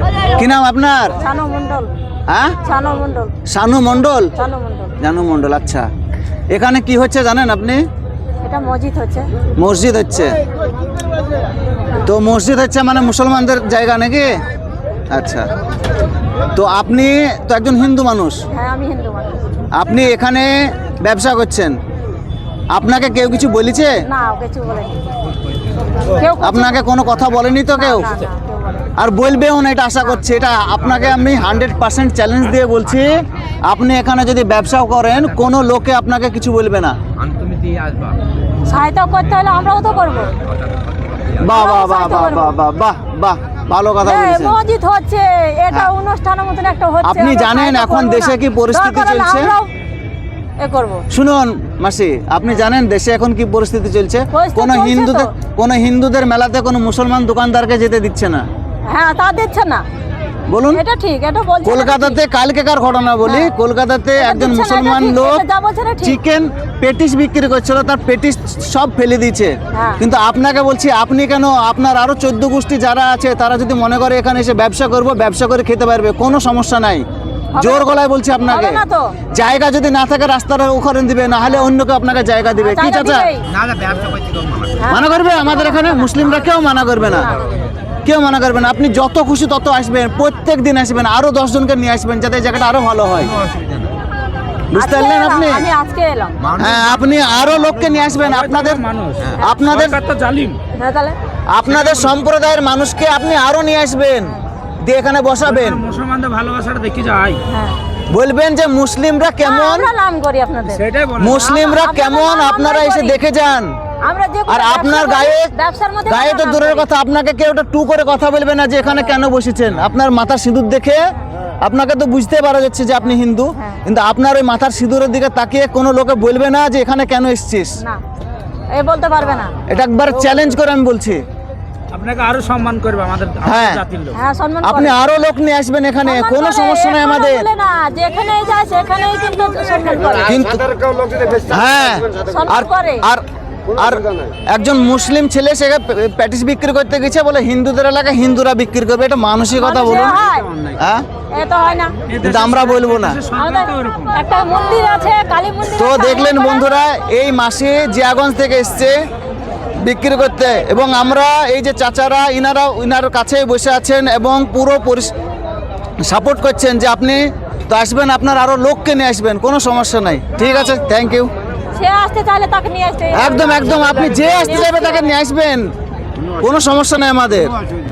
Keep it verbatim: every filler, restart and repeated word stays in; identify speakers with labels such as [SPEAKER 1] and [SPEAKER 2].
[SPEAKER 1] কি নাম আপনার?
[SPEAKER 2] শানু মণ্ডল।
[SPEAKER 1] হ্যাঁ,
[SPEAKER 2] শানু মণ্ডল।
[SPEAKER 1] শানু মণ্ডল।
[SPEAKER 2] শানু মণ্ডল।
[SPEAKER 1] জানু মণ্ডল, আচ্ছা। এখানে কি হচ্ছে জানেন আপনি?
[SPEAKER 2] এটা মসজিদ হচ্ছে।
[SPEAKER 1] মসজিদ হচ্ছে। তো মসজিদ হচ্ছে মানে মুসলমানদের জায়গা নাকি? আচ্ছা। তো আপনি তো একজন হিন্দু মানুষ,
[SPEAKER 2] হ্যাঁ আমি হিন্দু মানুষ।
[SPEAKER 1] আপনি এখানে ব্যবসা করছেন, আপনাকে কেউ কিছু বলেছে?
[SPEAKER 2] না কিছু বলেনি কেউ। কিছু-
[SPEAKER 1] আপনাকে কোনো কথা বলেনি তো কেউ?
[SPEAKER 2] না, না, কেউ বলেনি।
[SPEAKER 1] আর বলবেও না, এটা আশা করছি। এটা আপনাকে আমি হান্ড্রেড পার্সেন্ট চ্যালেঞ্জ দিয়ে বলছি, আপনি এখানে যদি ব্যবসাও করেন কোনো লোকে আপনাকে কিছু বলবে না।
[SPEAKER 2] সহায়তা করতে হলে আমরাও তো করবো।
[SPEAKER 1] বাহ বাহ বাহ বাহ বাহ বাহ বাহ বাহ, ভালো কথা
[SPEAKER 2] এই
[SPEAKER 1] বলেছেন।
[SPEAKER 2] মসজিদ হচ্ছে, এটা
[SPEAKER 1] হ্যাঁ।
[SPEAKER 2] অনুষ্ঠানের মতন একটা হচ্ছে।
[SPEAKER 1] আপনি
[SPEAKER 2] আমরা
[SPEAKER 1] জানেন
[SPEAKER 2] সহায়তা
[SPEAKER 1] এখন
[SPEAKER 2] করবো
[SPEAKER 1] দেশে
[SPEAKER 2] না।
[SPEAKER 1] কি পরিস্থিতি
[SPEAKER 2] দরকার হলে
[SPEAKER 1] চলছে?
[SPEAKER 2] আমরাও এ করবো।
[SPEAKER 1] শুনুন মাসি, আপনি জানেন দেশে এখন কি পরিস্থিতি চলছে?
[SPEAKER 2] পরিস্থিতি
[SPEAKER 1] কোন
[SPEAKER 2] চলছে
[SPEAKER 1] হিন্দুদের
[SPEAKER 2] তো।
[SPEAKER 1] কোন হিন্দুদের মেলাতে কোনো মুসলমান দোকানদারকে যেতে দিচ্ছে না।
[SPEAKER 2] হ্যাঁ তা দিচ্ছে না,
[SPEAKER 1] বলুন।
[SPEAKER 2] এটা ঠিক, এটা বলছে।
[SPEAKER 1] কলকাতাতে কালকেকার ঘটনা বলি,
[SPEAKER 2] হ্যাঁ।
[SPEAKER 1] কলকাতাতে
[SPEAKER 2] এটা
[SPEAKER 1] একজন
[SPEAKER 2] দিচ্ছে না, এটা
[SPEAKER 1] মুসলমান
[SPEAKER 2] ঠিক,
[SPEAKER 1] লোক
[SPEAKER 2] এটা যা বলছে না ঠিক।
[SPEAKER 1] চিকেন পেটিস বিক্রি করছিল, তার পেটিস সব ফেলে দিয়েছে।
[SPEAKER 2] হ্যাঁ।
[SPEAKER 1] কিন্তু আপনাকে বলছি, আপনি কেন, আপনার আরো চোদ্দ গোষ্ঠী যারা আছে তারা যদি মনে করে এখানে এসে ব্যবসা করবো, ব্যবসা করে খেতে পারবে, কোনো সমস্যা নাই। জোর গলায় বলছি আপনাকে,
[SPEAKER 2] হবে না তো।
[SPEAKER 1] জায়গা যদি না থাকে রাস্তার ওখানে দিবে, না হলে অন্য কেউ আপনাকে জায়গা দিবে। কি
[SPEAKER 2] জায়গা
[SPEAKER 1] চাচা
[SPEAKER 2] দিবেই। হ্যাঁ।
[SPEAKER 1] মানা করবে? আমাদের এখানে মুসলিমরা কেউ মানা করবে না, কেউ মানা করবে না। আপনি যত খুশি তত আসবেন, প্রত্যেক দিন আসবেন, আরো দশ জনকে নিয়ে আসবেন, যাতে এই জায়গাটা আরো ভালো হয়। বুঝতে
[SPEAKER 2] আজকে
[SPEAKER 1] পারলেন
[SPEAKER 2] এলাম,
[SPEAKER 1] আপনি?
[SPEAKER 2] আমি আজকে এলাম।
[SPEAKER 1] হ্যাঁ, আপনি আরো লোককে নিয়ে আসবেন, আপনাদের আপনাদের
[SPEAKER 2] হ্যাঁ, তাহলে
[SPEAKER 1] আপনাদের সম্প্রদায়ের মানুষকে আপনি আরো নিয়ে আসবেন, দিয়ে এখানে বসাবেন,
[SPEAKER 3] মুসলমানদের ভালোবাসাটা দেখি যায়।
[SPEAKER 2] হ্যাঁ
[SPEAKER 1] বলবেন যে মুসলিমরা কেমন,
[SPEAKER 2] আমরা নাম করি আপনাদের।
[SPEAKER 3] সেটাই বলে।
[SPEAKER 1] মুসলিমরা
[SPEAKER 2] আমরা-
[SPEAKER 1] কেমন,
[SPEAKER 2] আমরা-
[SPEAKER 1] আপনারা
[SPEAKER 2] আমরাই
[SPEAKER 1] এসে
[SPEAKER 2] করি।
[SPEAKER 1] দেখে যান।
[SPEAKER 2] আমরা যে
[SPEAKER 1] আর আপনার গায়ে
[SPEAKER 2] ব্যবসার মধ্যে
[SPEAKER 1] গায়ে তো
[SPEAKER 2] আমরা নাম
[SPEAKER 1] দূরের
[SPEAKER 2] করি।
[SPEAKER 1] কথা, আপনাকে কেউ একটা টু করে কথা বলবে না যে এখানে কেন বসেছেন। আপনার মাথার সিঁদুর দেখে আপনাকে তো বুঝতে পারা যাচ্ছে যে আপনি হিন্দু,
[SPEAKER 2] হ্যাঁ।
[SPEAKER 1] কিন্তু আপনার ওই মাথার সিঁদুরের দিকে তাকিয়ে কোনো লোকে বলবে না যে এখানে কেন এসেছিস।
[SPEAKER 2] না এই বলতে পারবে না।
[SPEAKER 1] এটা একবার চ্যালেঞ্জ করে আমি বলছি।
[SPEAKER 3] আপনাকে আরো সম্মান করবে আমাদের আমাদের
[SPEAKER 1] হ্যাঁ।
[SPEAKER 3] জাতির লোক।
[SPEAKER 2] হ্যাঁ সম্মান
[SPEAKER 1] আপনি
[SPEAKER 2] করে।
[SPEAKER 1] আরো লোক নিয়ে আসবেন এখানে,
[SPEAKER 2] সম্মান
[SPEAKER 1] কোনো
[SPEAKER 2] করে,
[SPEAKER 1] সমস্যা নেই
[SPEAKER 2] এ
[SPEAKER 1] আমাদের।
[SPEAKER 2] কথা বলে না, যেখানেই যায় সেখানেই কিন্তু সম্মান করে।
[SPEAKER 1] কিন্তু হ্যাঁ,
[SPEAKER 2] সম্মান
[SPEAKER 1] আর
[SPEAKER 2] করে।
[SPEAKER 1] আর আর একজন মুসলিম ছেলে সে প্যাটিস বিক্রি করতে গেছে, বলে হিন্দুদের এলাকায় হিন্দুরা বিক্রি করবে। এটা মানসিকতা
[SPEAKER 2] মানুষে
[SPEAKER 1] বলুন।
[SPEAKER 2] হয়,
[SPEAKER 1] হ্যাঁ,
[SPEAKER 2] এ তো হয় না।
[SPEAKER 1] কিন্তু আমরা বলবো না।
[SPEAKER 2] আমাদের একটা মন্দির আছে, কালী মন্দির।
[SPEAKER 1] তো
[SPEAKER 2] আছে,
[SPEAKER 1] দেখলেন
[SPEAKER 2] ওখানে-
[SPEAKER 1] বন্ধুরা, এই মাসে জিয়াগঞ্জ থেকে এসছে বিক্রি করতে, এবং আমরা এই যে চাচারা ইনারা ইনার কাছে বসে আছেন এবং পুরো সাপোর্ট করছেন যে আপনি তো আসবেন, আপনার আরো লোককে নিয়ে আসবেন, কোনো সমস্যা নাই। ঠিক আছে, থ্যাংক ইউ।
[SPEAKER 2] সে আসতে চাইলে তাকে নিয়ে আসতে।
[SPEAKER 1] একদম একদম, আপনি যে আসতে যাবে তাকে নিয়ে আসবেন, কোনো সমস্যা নেই আমাদের।